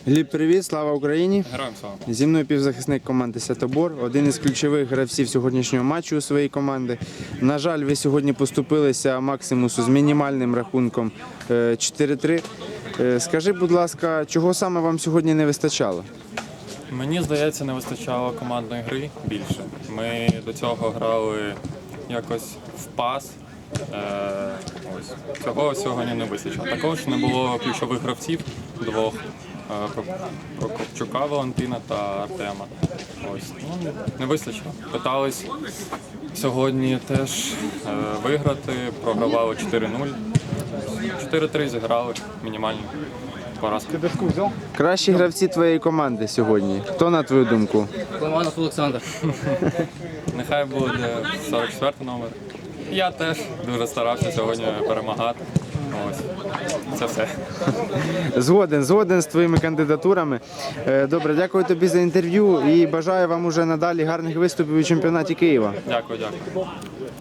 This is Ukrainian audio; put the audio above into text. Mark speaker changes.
Speaker 1: Гліб, привіт, слава Україні!
Speaker 2: Героям слава!
Speaker 1: Зі мною півзахисник команди «Святобор», один із ключових гравців сьогоднішнього матчу у своїй команди. На жаль, ви сьогодні поступилися Максимусу з мінімальним рахунком 4-3. Скажи, будь ласка, чого саме вам сьогодні не вистачало?
Speaker 2: Мені здається, не вистачало командної гри більше. Ми до цього грали якось в пас. Цього сьогодні не вистачило. Також не було ключових гравців двох. Прокопчука Валентина та Артема. Не вистачило. Питались сьогодні теж виграти, програвали 4-0. 4-3 зіграли, мінімальні поразки.
Speaker 1: Кращі гравці твоєї команди сьогодні. Хто, на твою думку?
Speaker 3: Ломанов Олександр.
Speaker 2: Нехай буде 44 номер. Я теж дуже старався сьогодні перемагати. Ось. Це все.
Speaker 1: Згоден з твоїми кандидатурами. Добре, дякую тобі за інтерв'ю і бажаю вам уже надалі гарних виступів у чемпіонаті Києва.
Speaker 2: Дякую.